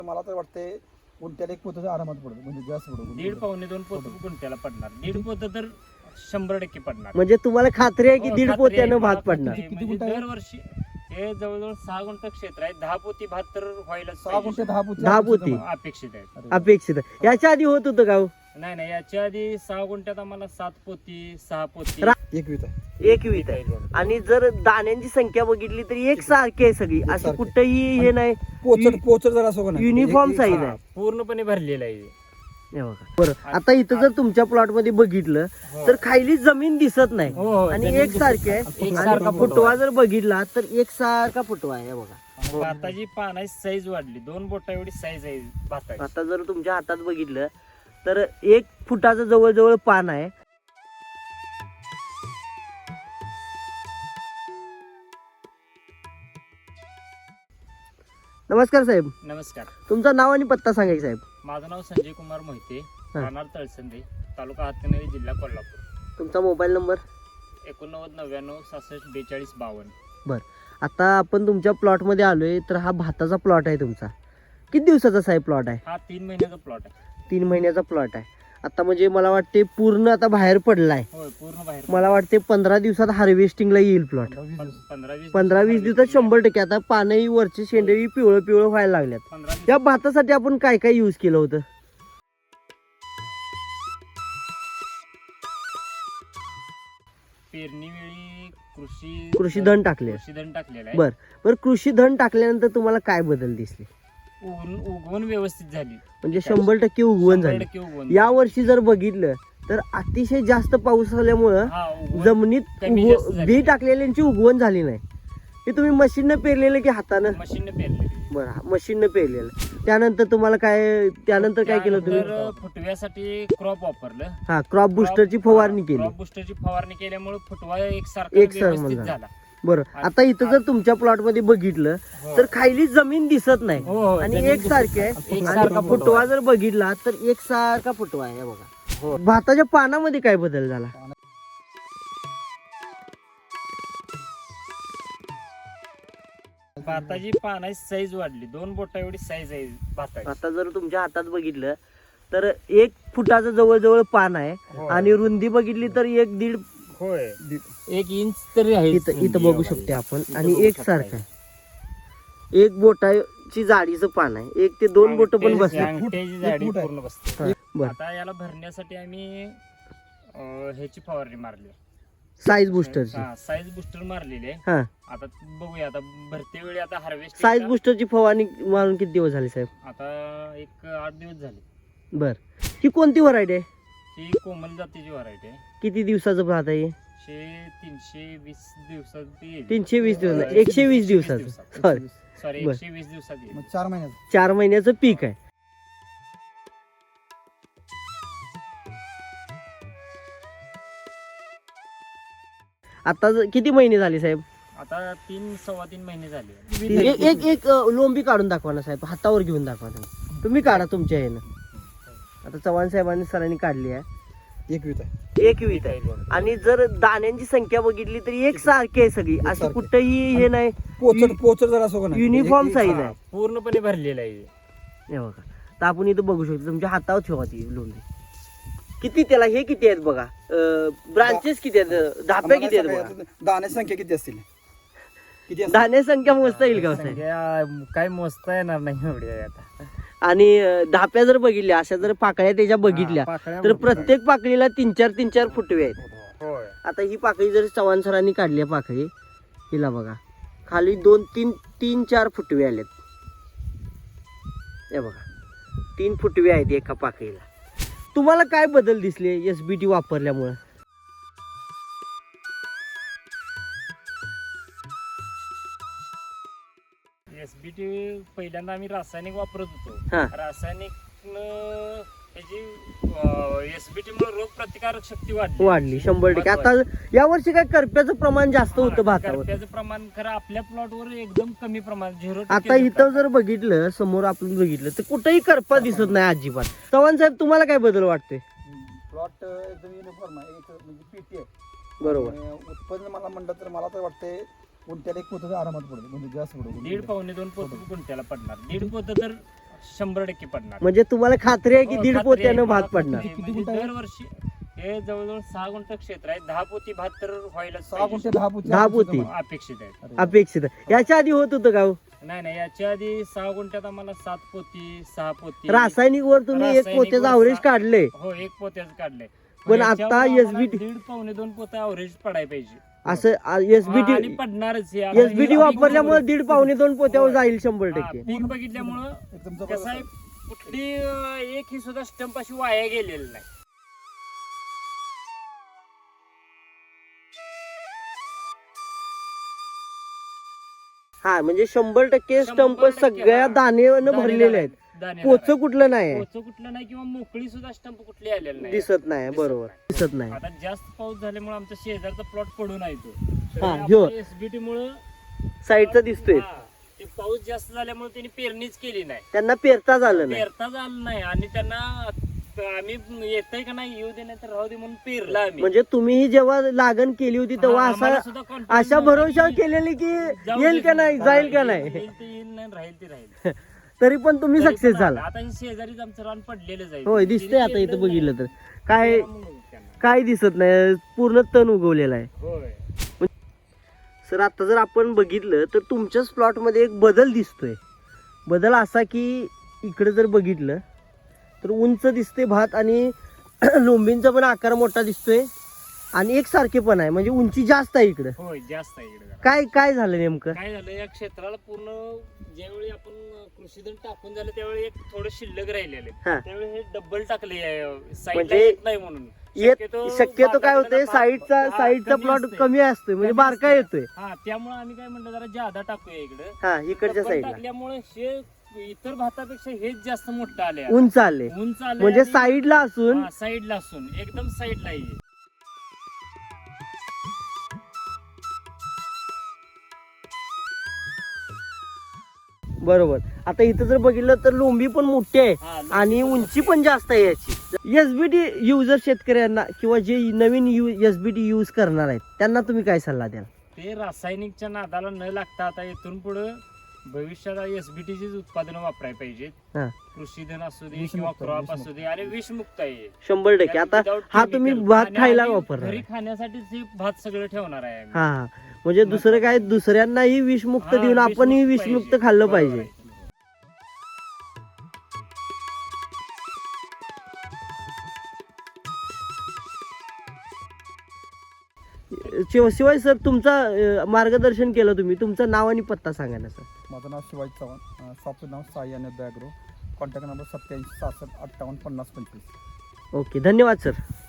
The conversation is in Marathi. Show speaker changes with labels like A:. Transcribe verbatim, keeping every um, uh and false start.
A: मला तर वाटते गुंठ्याला एक पोतं आरामात पडतो, म्हणजे जास्त पडतो.
B: दीड पावणे दोन पोत गुंठ्याला पडणार, दीड पोत तर शंभर टक्के पडणार.
C: म्हणजे तुम्हाला खात्री आहे की
B: हो,
C: दीड
B: खात्री
C: पोत्यानं
B: आहे,
C: भात
B: मला
C: पडणार?
B: खात्री आहे.
A: किती
B: म्हणजे
A: गुंठ आहे?
B: दरवर्षी हे जवळजवळ सहा गुंठ क्षेत्र आहे, दहा पोती भात तर व्हायला
A: सहा गुंठे दहा पोती
C: दहा
A: अपेक्षित
C: पोती.
A: आहे.
B: अपेक्षित आहे.
A: अरे
C: अपेक्षित आहे. याच्या आधी होत होतं का हो?
B: नाही नाही, याच्या आधी सहा गुंठ्यात आम्हाला सात पोती सहा पोती
C: रा-
A: एक वीत आहे.
C: एक वीत आहे. आणि जर दाण्यांची संख्या बघितली तर एक सारखी आहे सगळी, असं
A: एकसारखी.
C: कुठंही हे नाही.
A: पोचर पोचर जर असो का नाही,
C: युनिफॉर्म
A: एक-
C: साईज
B: हा,
C: आहे.
B: पूर्णपणे भरलेला आहे.
C: हे बघा. बरं, आता इथं जर तुमच्या प्लॉट मध्ये बघितलं तर खाली जमीन दिसत नाही
B: हो, हो,
C: आणि
B: जमीन
C: एक सारखी आहे.
B: एकसारखा
C: आणि
B: फुटवा
C: फुटवा जर बघितला तर एक सारखा फुटवा आहे. हे बघा,
B: भाताची पानाची साईज वाढली, दोन बोटा एवढी साईज आहे भाताची.
C: आता जर तुमच्या हातात बघितलं तर एक फुटाचं जवळजवळ पान आहे. नमस्कार साहेब,
B: नमस्कार,
C: तुमचं नाव आणि पत्ता सांगा की साहेब.
B: माझं नाव संजय कुमार मोहिते,
C: हा.
B: राहणार तळसंदे, तालुका हातकणंगले, जिल्हा कोल्हापूर.
C: तुमचा मोबाईल नंबर.
B: एकोणनव्वद नव्याण्णव सहासष्ट बेचाळीस बावन्न.
C: आता आपण तुमच्या प्लॉट मध्ये आलोय तर हा भाताचा प्लॉट आहे तुमचा. किती दिवसाचा साहेब प्लॉट आहे?
B: हा तीन महिन्याचा प्लॉट आहे.
C: तीन महिन्याचा प्लॉट आहे. आता म्हणजे मला वाटते पूर्ण आता बाहेर पडलाय.
B: होय, पूर्ण बाहेर.
C: मला वाटते पंधरा दिवसात हार्वेस्टिंगला येईल प्लॉट.
A: पंधरा वीस दिवस.
B: पंधरा वीस
C: पंधरा वीस दिवसात शंभर टक्के. आता पानही वरची शेंडही पिवळं पिवळं व्हायला लागल्यात.
B: पंधरा वीस-
C: या भातासाठी आपण काय काय यूज केलं होतं?
B: पेरणी वेळी कृषी
C: कृषी धन टाकले.
B: कृषी धन टाकलेलं आहे.
C: बर बर कृषी धन टाकल्यानंतर तुम्हाला काय बदल दिसले?
B: उगवून उगवण व्यवस्थित झाली,
C: म्हणजे शंभर टक्के उगवण
B: शंभर
C: झाली.
B: टक्के उगवण.
C: या वर्षी जर बघितलं तर अतिशय जास्त पाऊस आल्यामुळं
B: हा, उगवण
C: जमिनीत
B: कमी
C: उगव-
B: जास्त झाली.
C: बी टाकलेल्यांची उगवण झाली नाही. हे तुम्ही मशीननं पेरलेलं की हातानं?
B: मशीनने पेरलेली.
C: बरं, मशीननं पेरलेलं. त्यानंतर तुम्हाला काय त्यानंतर काय केलं तुम्ही?
B: त्यानंतर फुटव्यासाठी क्रॉप वापरलं.
C: हा, क्रॉप बुस्टरची फवारणी केली.
B: क्रॉप बुस्टरची फवारणी केल्यामुळे फुटवा एकसारखा
C: एकसारखा
B: व्यवस्थित
C: झाला.
B: झाला.
C: बरं, आता इथं जर तुमच्या प्लॉट मध्ये बघितलं
B: हो.
C: तर खाली जमीन दिसत नाही
B: हो, हो,
C: आणि
B: जमीन
C: एक सारखी आहे.
B: एकसारखा
C: आणि फुटवा जर बघितला तर एक सारखा फुटवा आहे. हे
B: हो.
C: बघा, भाताच्या पानामध्ये काय बदल झाला?
B: भाताची पानाची साईज वाढली, दोन बोटा एवढी साईज आहे भाताची.
C: आता जर तुमच्या हातात बघितलं तर एक फुटाचं जवळजवळ पान आहे
B: हो.
C: आणि रुंदी बघितली तर एक दीड
B: होय, एक इंच तरी आहे.
C: इथं इथं बघू शकते आपण. आणि एक सारखं आहे. एक बोटाची जाडीचं पान आहे. एक ते दोन बोट पण बसले.
B: अंगठ्याची जाडी
A: फूट आहे.
B: पूर्ण बसते.
C: बरं,
B: आता याला भरण्यासाठी आम्ही अं, ह्याची फवारणी मारली,
C: साईज बुस्टरची.
B: साईज बुस्टर मारलेली आहे.
C: हा,
B: आता बघूया, आता भरते वेळी आता हार्वेस्ट
C: साईज बुस्टरची फवारणी मारून किती दिवस झाले साहेब?
B: आता एक आठ दिवस झाले.
C: बर, ही कोणती व्हरायटी आहे?
B: ही कोमल जातीची व्हरायटी आहे.
C: किती दिवसाचं भात आहे?
B: शे तीनशे वीस दिवसात येईल.
C: तीनशे वीस दिवस नाही, एकशे वीस दिवसाचं. सॉरी,
B: सॉरी
C: बर.
B: एकशे वीस दिवसात येईल.
A: मग चार महिन्यात
C: चार महिन्याचं पीक आहे. आता ज- किती महिने झाले साहेब?
B: आता तीन सव्वा तीन महिने झाले.
C: एक एक एक अ, लोंबी काढून दाखवा ना साहेब, हातावर घेऊन दाखवा ना. तुम्ही काढा तुमच्या ह्यानं. आता चव्हाण साहेबांनी सरांनी काढली आहे.
A: एक वीत आहे.
C: एक वीत आहे. आणि जर दाण्यांची संख्या बघितली तर एक सारखी आहे सगळी, असं
A: एकसारखी.
C: कुठंही हे नाही.
A: पोचर पोचर जर असो का नाही,
C: युनिफॉर्म
A: एक-
C: साईज
B: हा,
C: आहे.
B: पूर्णपणे भरलेला आहे.
C: हे बघा, तर आपण इथं बघू शकतो तुमच्या हातावर ठेवा ती लोंबी. किती त्याला हे किती आहेत बघा, ब्रांचेस किती आहेत, धाप्या किती आहेत बघा.
A: आम्हाला दाण्याची संख्या किती असतील? किती असतील?
C: दाण्या संख्या मोजता येईल का साहेब?
B: संख्या काय मोजता येणार नाही एवढी आहे आता.
C: आणि अ, धाप्या जर बघितल्या, अशा जर पाकळ्या त्याच्या बघितल्या
B: हा, पाकळ्या
C: तर
B: मोजता.
C: प्रत्येक पाकळीला तीन चार तीन चार फुटवे आहेत.
B: होय.
C: आता ही पाकळी जर चव्हाण सरांनी काढली आहे पाकळी, हिला बघा खाली दोन तीन तीन चार फुटवे आलेत. हे बघा, तीन फुटवे आहेत एका पाकळीला. तुम्हाला काय बदल दिसले एस बी टी वापरल्यामुळे?
B: एसबीटी पहिल्यांदा आम्ही रासायनिक वापरत
C: हा.
B: होतो. रासायनिक त्याची एसबीटी मुळे रोग प्रतिकारक शक्ती वाढली
C: वाढली शंभर टक्के. आता या वर्षी काय करप्याचं प्रमाण जास्त होतं भातावर.
B: त्याचं प्रमाण खरं आपल्या प्लॉटवर एकदम कमी प्रमाण, झिरो.
C: आता इथं जर बघितलं, समोर आपण बघितलं तर कुठेही करपा दिसत नाही अजिबात. चव्हाण साहेब, तुम्हाला काय बदल वाटतोय?
A: प्लॉट एकदम युनिफॉर्म आहे, एक म्हणजे पीटी आहे.
C: बरोबर.
A: आणि उत्पन्न मला म्हणलं तर मला तर वाटते गुंठ्याला एक पोतं आरामात पडतो, म्हणजे जास्त पडतो.
B: दीड पावणे दोन पोत गुंठ्याला पडणार. दीड पोत तर शंभर टक्के पडणार.
C: म्हणजे तुम्हाला खात्री आहे की
B: हो,
C: दीड
B: खात्री
C: पोत्यानं
B: आहे,
C: भात
B: मला
C: पडणार.
B: खात्री आहे. म्हणजे दरवर्षी हे जवळजवळ सहा गुंठ क्षेत्र आहे, दहा पोती भात तर व्हायला
A: सहा गुंठे दहा पोती
C: दहा
A: अपेक्षित
C: पोती.
A: आहे.
B: अपेक्षित आहे.
A: अरे.
C: अपेक्षित आहे. याच्या आधी होत होतं का हो?
B: नाही नाही याच्या आधी सहा गुंठ्यात आम्हाला सात पोती सहा पोती
C: रासायनिक वर तुम्ही एक
B: रासायनिक
C: पोत्याचं
B: वर
C: अवरेज
B: सहा-
C: काढले.
B: हो एक पोत्याच काढलंय.
C: पण
B: याच्यावर
C: आता
B: आम्हाला
C: एस बी टी
B: दीड पावणे दोन पोते अवरेज पडायला पाहिजे.
C: असं
B: हा,
C: एसबीटी
B: आणि पडणारच हे. आता
C: एसबीटी
B: हे
C: वापरल्यामुळे
B: पीक
C: दीड पावणे दोन पोत्यावर
B: होय.
C: जाईल शंभर
B: हा,
C: टक्के.
B: पीक बघितल्यामुळं
A: एकदम
B: कसं
A: जबरदस्त
B: आहे
A: आहे.
B: कुठली अं, एक ही सुद्धा स्टंप अशी वाया गेलेली नाही.
C: हा म्हणजे शंभर टक्के
B: शंभर
C: स्टंप
B: टक्के,
C: सगळ्या
B: हा.
C: दाणेनं भरलेले आहेत.
B: दाणेदार
C: पोच
B: आहे.
C: कुठलं नाही आहे.
B: पोचं कुठलं नाही किंवा मोकळी सुद्धा स्टंप कुठली आलेली नाही.
C: दिसत नाही बरोबर दिसत नाही.
B: आता जास्त पाऊस झाल्यामुळे आमचा शेजारचा प्लॉट पडून आहे
C: हा, ह्यो.
B: तो एसबीटी मुळे
C: साईडचा दिसतोय.
B: ते पाऊस जास्त झाल्यामुळे त्यांनी पेरणीच केली नाही,
C: त्यांना पेरता झालं नाही.
B: पेरता झालं नाही. आणि त्यांना आम्ही येतंय का नाही येऊ दे नाही तर राहू दे म्हणून पेरला आम्ही.
C: म्हणजे तुम्हीही जेव्हा लागण केली होती तेव्हा
B: हा, आम्हाला
C: असा
B: सुद्धा confidence
C: अशा
B: नव्हता
C: भरोसा
B: की
C: केलेली की
B: जाऊ
C: येईल
B: दे
C: का नाही
B: हा,
C: जाईल का
B: येईल-
C: नाही.
B: येईल ते येईल नाही राहील ते राहील.
C: तरी पण तुम्ही
B: तरी पण
C: सक्सेस झाला.
B: आता हे शेजारीच आमचं रान पडलेलं आहे.
C: होय दिसतंय आता इथं बघितलं तर काय
B: होय
C: काय दिसत नाही, पूर्ण तण उगवलेला आहे. सर आता जर आपण बघितलं तर तुमच्याच प्लॉटमध्ये एक बदल दिसतोय. बदल असा की इकडे जर बघितलं तर उंच दिसते भात आणि लोंबींचा पण आकार मोठा दिसतोय आणि एकसारखे पण आहे, म्हणजे उंची जास्त आहे इकडे.
B: होय जास्त आहे इकडे जरा.
C: काय काय झालं नेमकं?
B: काय झालं या क्षेत्राला पूर्ण ज्यावेळी आपण कृषीधन टाकून झालं त्यावेळी एक थोडं शिल्लक राहिलेले,
C: हा.
B: त्यावेळी हे डबल टाकले साईडला
C: म्हणजे
B: येत नाही म्हणून.
C: येत
B: शक्यतो
C: शक्यतो काय होतंय
B: बागाकडे
C: साईडचा
B: हा,
C: साईडचा
B: कमी
C: प्लॉट
B: असते.
C: कमी असतोय म्हणजे
B: कमी
C: बारका
B: असते.
C: येतोय.
B: हा त्यामुळे आम्ही काय म्हणतो जरा जादा टाकूया इकडे.
C: हा इकडच्या साईडला
B: टाकल्यामुळे हे इतर भातापेक्षा हेच जास्त मोठं आले,
C: उंच आले,
B: उंच आले
C: म्हणजे
B: आणि-
C: साईडला असून
B: हा, साईडला असून एकदम साईडला आहे.
C: बरोबर. आता इथं जर बघितलं तर लोंबी पण मोठी आहे
B: हा, लोंबी
C: आणि
B: पण
C: उंची पण जास्त आहे याची. एसबीटी युजर शेतकऱ्यांना किंवा जे नवीन यू एसबीटी यूज करणार आहेत त्यांना तुम्ही काय सल्ला द्याल?
B: ते रासायनिकच्या नादाला न लागता आता इथून पुढे भविष्यात एसबीटीचीच उत्पादनं वापरायला पाहिजेत.
C: हा.
B: कृषीधन असू दे
A: विषमुक्त,
B: किंवा क्रॉप
A: विषमुक्त.
B: असू दे आणि विषमुक्त आहे.
C: शंभर टक्के. आता
B: Without
C: हा
B: chemical.
C: तुम्ही भात
B: आणि
C: खायला
B: आम्ही
C: वापरणार
B: घरी
C: आहे.
B: खाण्यासाठीच हे भात सगळं ठेवणार आहे आम्ही.
C: हा हा म्हणजे दुसरं काय दुसऱ्यांनाही विषमुक्त
B: हा,
C: देऊन आपणही
B: विषमुक्त
C: विषमुक्त
B: पाहिजे.
C: खाल्लं
B: बरोबर
C: पाहिजे.
B: आहे.
C: शिव- शिवाय सर तुमचा अं, मार्गदर्शन केलं तुम्ही, तुमचं नाव आणि पत्ता सांगा ना सर.
A: माझं नाव शिवाजी चव्हाण, शॉपचं नाव साई आणि बॅग्रो, कॉन्टॅक्ट नंबर सत्याऐंशी सहासष्ट अठ्ठावन्न पन्नास पंचवीस.
C: ओके धन्यवाद सर.